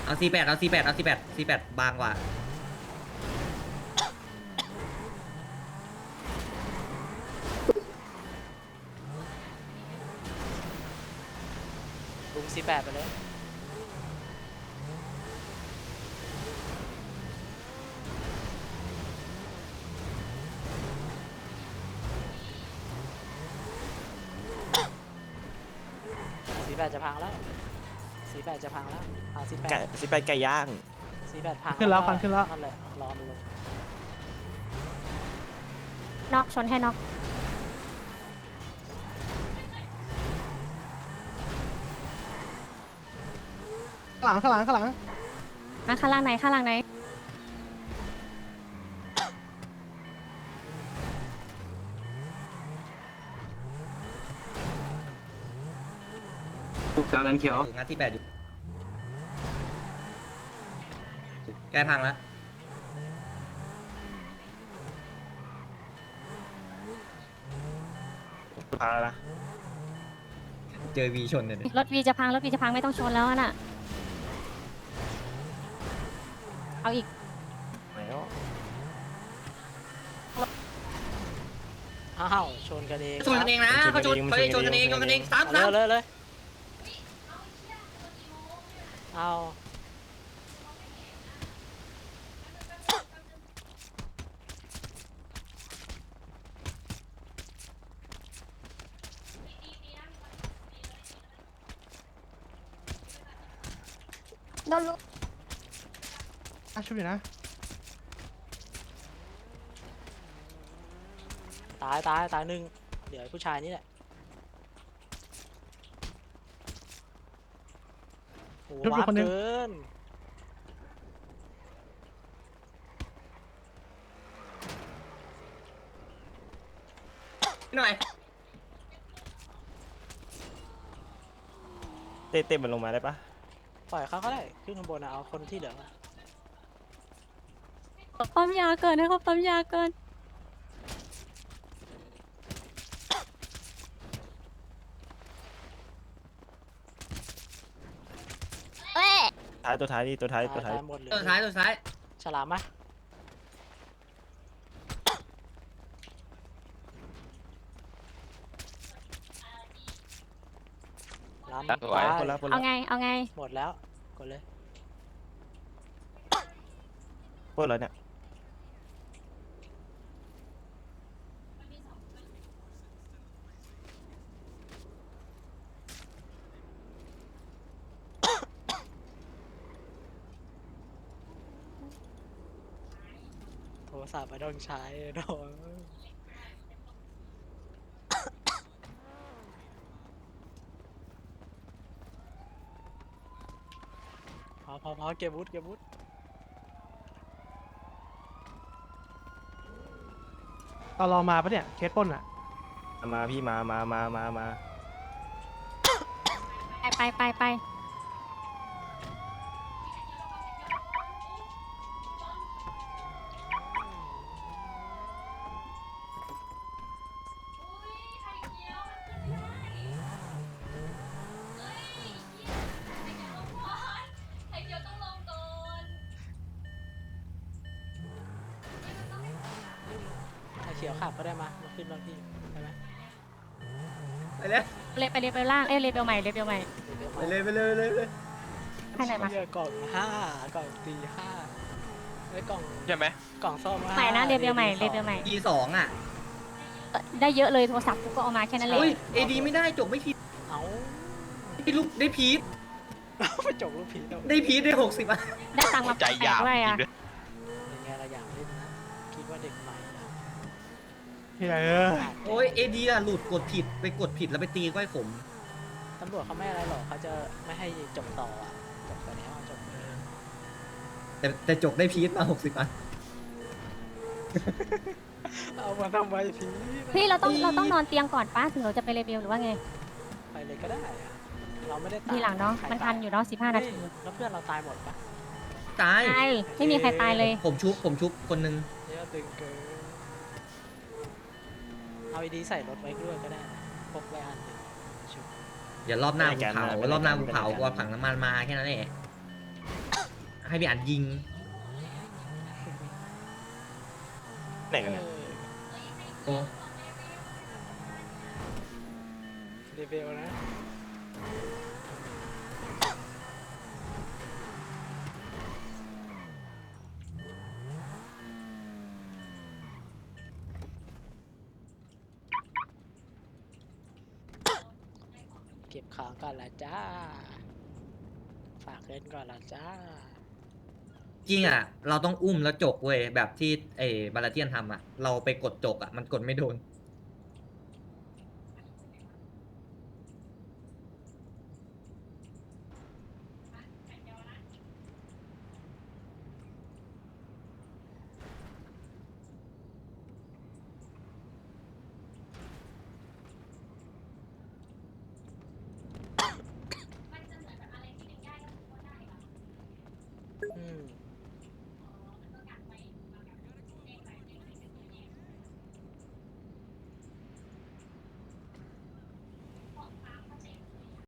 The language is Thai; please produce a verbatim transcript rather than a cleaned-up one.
เอาซีแปดเอาซีแปดเอาซีแปดซีแปดบางกว่าลุงซีแปดไปเลยซีแปดจะพังแล้วซีแปดจะพังแล้วเอาซีแปดไก่สิไปไก่ย่างซีแปดพังขึ้นแล้วฟันขึ้นแล้วนั่นแหละรอมันลงน็อกชนให้น็อกข้างหลังข้างหลังข้างหลังมาข้างล่างไหนข้างล่างไหนถูกจานันเขียวงัดที่แปดอยู่ใกล้พังแล้วพาละเจอวีชนเลยเนี่ยรถวีจะพังรถวีจะพังไม่ต้องชนแล้วน่ะเอาอีกแล้วอ้าวชนกันเองชนกันเองนะเขาชนเขาชนกันเองชนกันเองซ้ำเลซ้ยเลยเลยเอาโดนลูกอ่ะช่วยอยู่นะตายตายตายหนึ่งเดี๋ยวไอ้ผู้ชายนี่แหละโอ้โหว้าบเกินหน่อยเต้เต้มันลงมาได้ปะปล่อยเขาก็ได้ขึ้นข้างบนนะเอาคนที่เหลือมาปั๊มยาเกินนะครับปั๊มยาเกิน เอ้ยท้ายตัวท้ายนี่ตัวท้ายตัวท้ายหมดเลยตัวท้ายตัวท้ายฉลามไหมลามตัวท้ายคนละคนเอาละไงเอาไงหมดแล้วกดเลยพวกเราเนี่ยโทรศัพท์ไม่ต้องใช้โดนพอพอพอเก็บวุฒเก็บวุฒตอนรอมาปะเนี่ยเคสปล้นอ่ะมาพี่มามามามามาไปไปไปไปไอ้เขียวขับก็ได้มามาขึ้นบางที่ใช่ไหมไปเลยเลยไปเลยไปล่างเอ้ยเลยไปใหม่เลยไปใหม่ไปเลยไปเลยไปเลยไปเลยให้ไหนมาเหี้ยกล่องห้ากล่องตีห้าไอ้ยกล่องใช่ไหมกล่องซ่อมห้าใหม่นะเรียบเรียวใหม่เรียบเรียวใหม่ทีสองอ่ะเอ่อได้เยอะเลยโทรศัพท์กูก็เอามาแค่นั้นเลยอุ้ยเอดีไม่ได้จบไม่ผิดเอาได้ลูกได้พีทเอาไปจกลูกผีเอาได้พีทได้หกสิบอ่ะได้ตังค์มาแปดด้วยอ่ะเป็นไงเราอยากเล่นนะคิดว่าเด็กใหม่นะเฮ้ยเออโอ้ยเอดีอ่ะหลุดกดผิดไปกดผิดแล้วไปตีก้อยขมตำรวจเขาไม่อะไรหรอกเขาจะไม่ให้จบต่ออ่ะจบไปแล้วจบไปแล้วแต่แต่จบได้พีทมาหกสิบอ่ะเอามาทำไมผีพี่เราต้องเราต้องนอนเตียงก่อนป้าถึงเราจะไปเรเบลหรือว่าไงไปเลยก็ได้อะเราไม่ได้ตายทีหลังเนาะใครมันทันอยู่เนาะสิบห้านาทีเฮ้ยแล้วเพื่อนเราตายหมดปะตายตายไม่มีใครตายเลยผมชุบผมชุบคนหนึงเยอะตึงเกินเอาไอดีใส่รถไว้ด้วยก็ได้นะพกไว้อันหนึ่งชุบอย่ารอบหน้าภูเขารอบหน้าภูเขากลัวผังน้ำมันมาแค่นั้นเองให้พี่อันยิงไหนกันเนี่ยโอ้เรเบลนะ เก็บของก่อนละจ้า ฝากเงินก่อนละจ้าจริงอ่ะ เราต้องอุ้มแล้วจกเว้ยแบบที่ไอ้บาลาเทียนทำอ่ะ เราไปกดจกอ่ะ มันกดไม่โดน